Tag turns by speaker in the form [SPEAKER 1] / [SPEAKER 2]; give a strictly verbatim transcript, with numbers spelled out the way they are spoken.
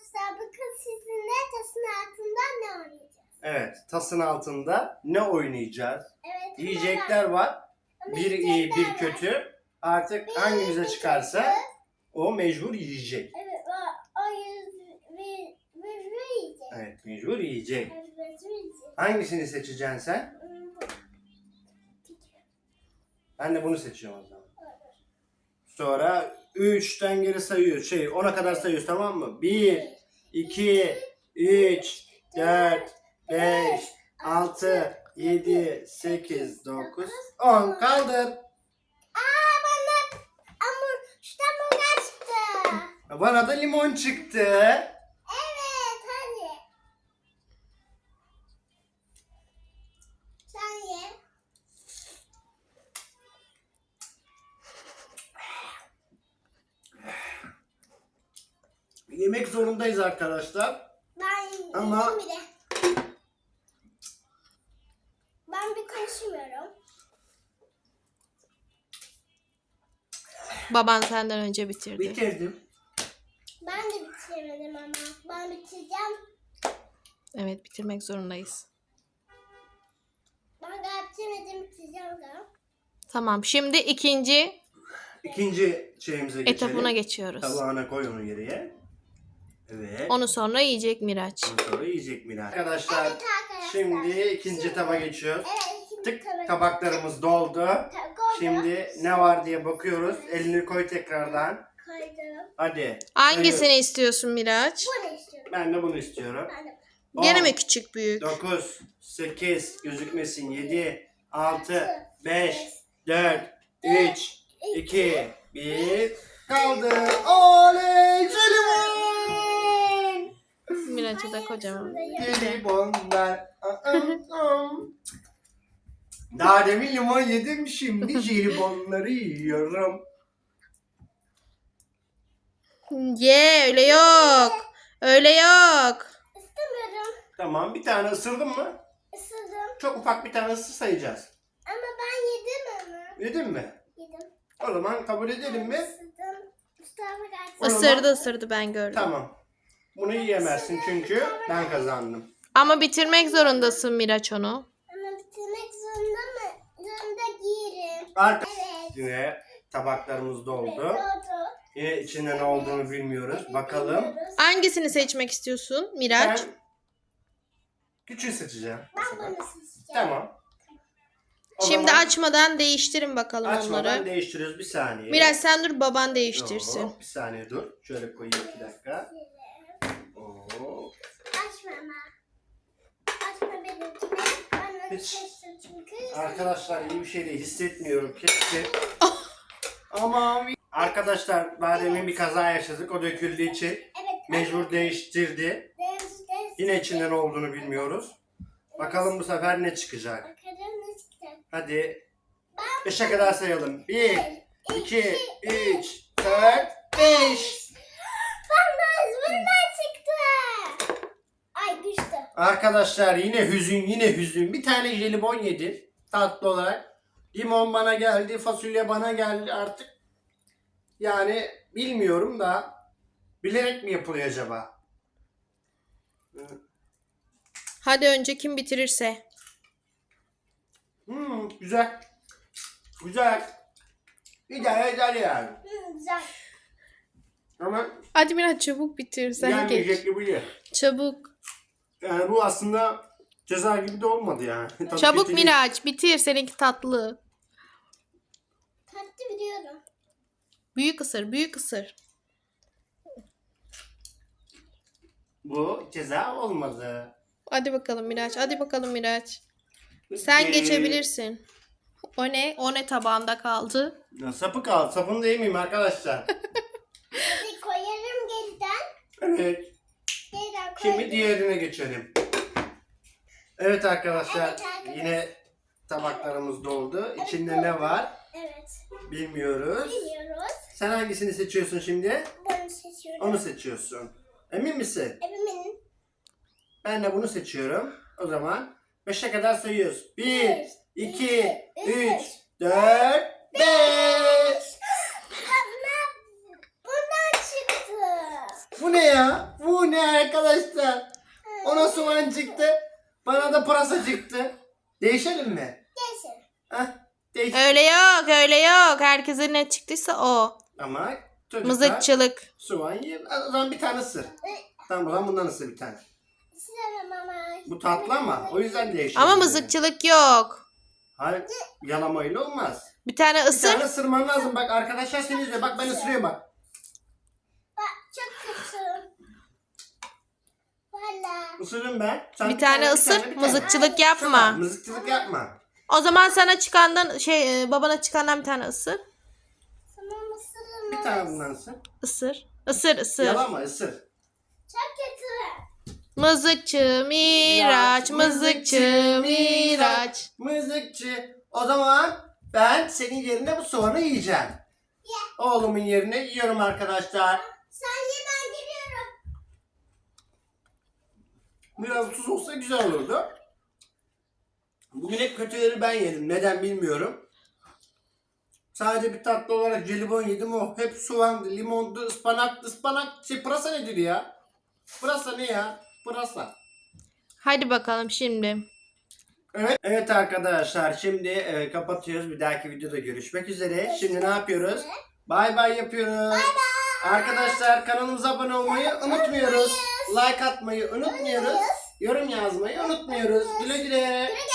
[SPEAKER 1] Arkadaşlar bakın sizinle tasın altında ne oynayacağız?
[SPEAKER 2] Evet, tasın altında ne oynayacağız?
[SPEAKER 1] Evet.
[SPEAKER 2] Yiyecekler var. Bir iyi, bir kötü. Artık hangimize çıkarsa o mecbur yiyecek.
[SPEAKER 1] Evet, o, o yüz ve ve yiyecek.
[SPEAKER 2] Evet, mecbur yiyecek.
[SPEAKER 1] Evet, mecbur yiyecek.
[SPEAKER 2] Hangisini seçeceksin sen? Ben de bunu seçiyorum o zaman. Sonra üçten geri sayıyoruz. Şey, ona kadar sayıyoruz, tamam mı? bir, iki, üç, dört, beş, altı, yedi, sekiz, dokuz, on. Kaldır.
[SPEAKER 1] Aa bana ama şuradan burger çıktı.
[SPEAKER 2] Bana da limon çıktı.
[SPEAKER 1] Evet hadi. Sen ye.
[SPEAKER 2] Yemek zorundayız arkadaşlar.
[SPEAKER 1] Ben
[SPEAKER 2] Ama-
[SPEAKER 1] Ama... bile. Ben bir konuşmuyorum.
[SPEAKER 3] Baban senden önce bitirdi.
[SPEAKER 2] Bitirdim.
[SPEAKER 1] Ben de bitiremedim ama. Ben bitireceğim.
[SPEAKER 3] Evet, bitirmek zorundayız.
[SPEAKER 1] Ben daha bitirmedim, bitireceğim da.
[SPEAKER 3] Tamam, şimdi ikinci
[SPEAKER 2] İkinci şeyimize geçelim.
[SPEAKER 3] etapına geçiyoruz.
[SPEAKER 2] Tabağına koy onu geriye. Evet.
[SPEAKER 3] Onu sonra yiyecek Miraç.
[SPEAKER 2] Ondan sonra yiyecek Mira. Arkadaşlar,
[SPEAKER 1] Evet arkadaşlar.
[SPEAKER 2] şimdi ikinci taba geçiyoruz.
[SPEAKER 1] Evet ikinci
[SPEAKER 2] Tık,
[SPEAKER 1] tabak.
[SPEAKER 2] tabaklarımız doldu.
[SPEAKER 1] Ta- koydum.
[SPEAKER 2] Şimdi ne var diye bakıyoruz. Elini koy tekrardan.
[SPEAKER 1] Koydum.
[SPEAKER 2] Hadi.
[SPEAKER 3] Hangisini
[SPEAKER 2] sayıyoruz.
[SPEAKER 3] istiyorsun Miraç?
[SPEAKER 1] Bu ne istiyorum?
[SPEAKER 2] Ben de bunu istiyorum.
[SPEAKER 1] Ben de.
[SPEAKER 3] Gene mi küçük büyük?
[SPEAKER 2] dokuz, sekiz, gözükmesin. yedi, altı, beş, dört, üç, iki, bir. Kaldı. Oley! Jelibon!
[SPEAKER 3] Miraç'a da kocaman.
[SPEAKER 2] Jelibonlar. Daha demin limon yedim, şimdi jelibonları yiyorum.
[SPEAKER 3] Ye, öyle yok. Öyle yok.
[SPEAKER 1] İstemiyorum.
[SPEAKER 2] Tamam, bir tane ısırdın mı?
[SPEAKER 1] Isırdım.
[SPEAKER 2] Çok ufak bir tane ısı sayacağız.
[SPEAKER 1] Ama ben yedim onu.
[SPEAKER 2] Yedin mi?
[SPEAKER 1] Yedim.
[SPEAKER 2] O zaman kabul edelim mi?
[SPEAKER 1] Isırdım. Mustafa kaç.
[SPEAKER 2] O zaman-
[SPEAKER 3] Isırdı ısırdı, ben gördüm.
[SPEAKER 2] Tamam. Bunu yiyemezsin çünkü ben kazandım.
[SPEAKER 3] Ama bitirmek zorundasın Miraç onu.
[SPEAKER 1] Ama bitirmek zorunda mı? Zorunda giyerim.
[SPEAKER 2] Artık
[SPEAKER 1] Evet.
[SPEAKER 2] yine tabaklarımız doldu.
[SPEAKER 1] Doğdu.
[SPEAKER 2] Yine içinde ne olduğunu bilmiyoruz. Bakalım.
[SPEAKER 1] Bilmiyoruz.
[SPEAKER 3] Hangisini seçmek istiyorsun Miraç?
[SPEAKER 2] Ben küçüğü seçeceğim. bu
[SPEAKER 1] Ben
[SPEAKER 2] sefer.
[SPEAKER 1] bunu seçeceğim.
[SPEAKER 2] Tamam. O
[SPEAKER 3] Şimdi
[SPEAKER 2] zaman
[SPEAKER 3] açmadan değiştirin bakalım
[SPEAKER 2] açmadan
[SPEAKER 3] onları.
[SPEAKER 2] değiştiriyoruz, bir saniye.
[SPEAKER 3] Miraç sen dur, baban değiştirsin.
[SPEAKER 2] Yok, bir saniye dur. Şöyle koyayım iki dakika. Oo.
[SPEAKER 1] Açma ama. Açma benimkini. Ben onu
[SPEAKER 2] Hiç.
[SPEAKER 1] seçtim çünkü.
[SPEAKER 2] Arkadaşlar iyi bir şey değil. Hissetmiyorum. Keşke. Ama arkadaşlar daha demin bir kaza yaşadık. O döküldüğü için
[SPEAKER 1] Evet.
[SPEAKER 2] mecbur değiştirdi.
[SPEAKER 1] Deniz, deniz.
[SPEAKER 2] Yine içinde ne olduğunu bilmiyoruz. Bakalım bu sefer ne çıkacak.
[SPEAKER 1] Bakalım ne çıkacak.
[SPEAKER 2] Hadi. Beşe kadar sayalım. Bir, iki, üç, dört, beş.
[SPEAKER 1] Bana bundan çıktı. Ay düştü.
[SPEAKER 2] Arkadaşlar yine hüzün, yine hüzün. Bir tane jelibon yedin tatlı olarak. Limon bana geldi, fasulye bana geldi artık. Yani bilmiyorum da bilerek mi yapılıyor acaba?
[SPEAKER 3] Hadi önce kim bitirirse.
[SPEAKER 2] Hmm, güzel. Güzel. İdare eder yani.
[SPEAKER 1] Hı, güzel.
[SPEAKER 2] Ama
[SPEAKER 3] Hadi Miraç çabuk bitir, sen geç.
[SPEAKER 2] yenmeyecek gibi değil.
[SPEAKER 3] Çabuk.
[SPEAKER 2] Yani bu aslında ceza gibi de olmadı yani. Tadı
[SPEAKER 3] Çabuk
[SPEAKER 2] kötü değil.
[SPEAKER 3] Miraç bitir, seninki tatlı.
[SPEAKER 1] Tatlı biliyorum.
[SPEAKER 3] Büyük ısır, büyük ısır.
[SPEAKER 2] Bu ceza olmadı.
[SPEAKER 3] Hadi bakalım Miraç, hadi bakalım Miraç. Sen
[SPEAKER 2] Ee,
[SPEAKER 3] geçebilirsin. O ne? O ne tabağında kaldı?
[SPEAKER 2] Ya sapı kaldı. Sapını da yemeyeyim arkadaşlar.
[SPEAKER 1] Hadi koyarım geriden.
[SPEAKER 2] Evet.
[SPEAKER 1] Geriden koyarım.
[SPEAKER 2] Şimdi diğerine geçelim. Evet arkadaşlar.
[SPEAKER 1] Evet arkadaşlar.
[SPEAKER 2] Yine tabaklarımız doldu. İçinde ne var
[SPEAKER 1] Evet.
[SPEAKER 2] bilmiyoruz.
[SPEAKER 1] Biliyoruz.
[SPEAKER 2] Sen hangisini seçiyorsun şimdi?
[SPEAKER 1] Bunu seçiyorum.
[SPEAKER 2] Onu seçiyorsun. Emin misin?
[SPEAKER 1] Eminim.
[SPEAKER 2] Ben de bunu seçiyorum. O zaman beşe kadar sayıyoruz. bir, iki, üç, dört, beş.
[SPEAKER 1] Bana bundan çıktı.
[SPEAKER 2] Bu ne ya? Bu ne arkadaşlar? Ona soğan çıktı. Bana da pırasa çıktı. Değişelim mi?
[SPEAKER 1] Geçin.
[SPEAKER 2] Heh, değiş.
[SPEAKER 3] Öyle yok öyle yok. Herkese ne çıktıysa o.
[SPEAKER 2] Ama çocuklar
[SPEAKER 3] Mızıkçılık.
[SPEAKER 2] soğan yer. O zaman bir tane ısır. Tamam o zaman bundan ısır bir tane.
[SPEAKER 1] İstemem ama.
[SPEAKER 2] Bu tatlı ama o yüzden değişelim.
[SPEAKER 3] Ama
[SPEAKER 2] yani.
[SPEAKER 3] mızıkçılık yok.
[SPEAKER 2] Hayır yalamayla olmaz.
[SPEAKER 3] Bir tane
[SPEAKER 2] Bir
[SPEAKER 3] ısır.
[SPEAKER 2] tane ısırman lazım. Bak arkadaşlar seni izliyor. Bak ben ısırıyorum bak.
[SPEAKER 1] Bak çok kötü. Valla.
[SPEAKER 2] Isırırım ben. Sen
[SPEAKER 3] Bir tane
[SPEAKER 2] bir
[SPEAKER 3] ısır.
[SPEAKER 2] bir tane.
[SPEAKER 3] Mızıkçılık
[SPEAKER 2] Tamam,
[SPEAKER 3] yapma.
[SPEAKER 2] mızıkçılık yapma.
[SPEAKER 3] O zaman sana çıkandan şey e, babana çıkandan bir tane ısır.
[SPEAKER 1] Sana mısırım.
[SPEAKER 2] Bir tane bundan ısır.
[SPEAKER 3] Isır. Isır ısır.
[SPEAKER 2] Yalama ısır.
[SPEAKER 1] Çok kötü.
[SPEAKER 3] Mızıkçı Miraç, mızıkçı Miraç.
[SPEAKER 2] Mızıkçı. O zaman ben senin yerine bu soğanı yiyeceğim. Oğlumun yerine yiyorum arkadaşlar.
[SPEAKER 1] Sen ye ben geliyorum.
[SPEAKER 2] Biraz tuz olsa güzel olurdu. Bugün hep kötüleri ben yedim. Neden bilmiyorum. Sadece bir tatlı olarak jelibon yedim o. Hep soğandı, limondu, ıspanaktı. Ispanak, şey pırasa nedir ya? Pırasa ne ya? Pırasa.
[SPEAKER 3] Hadi bakalım şimdi.
[SPEAKER 2] Evet. Evet arkadaşlar şimdi e, kapatıyoruz. Bir dahaki videoda görüşmek üzere. Şimdi ne yapıyoruz? Bay bay yapıyoruz. Bay bay. Arkadaşlar kanalımıza abone olmayı unutmuyoruz. Like atmayı unutmuyoruz. Yorum yazmayı unutmuyoruz. Güle güle.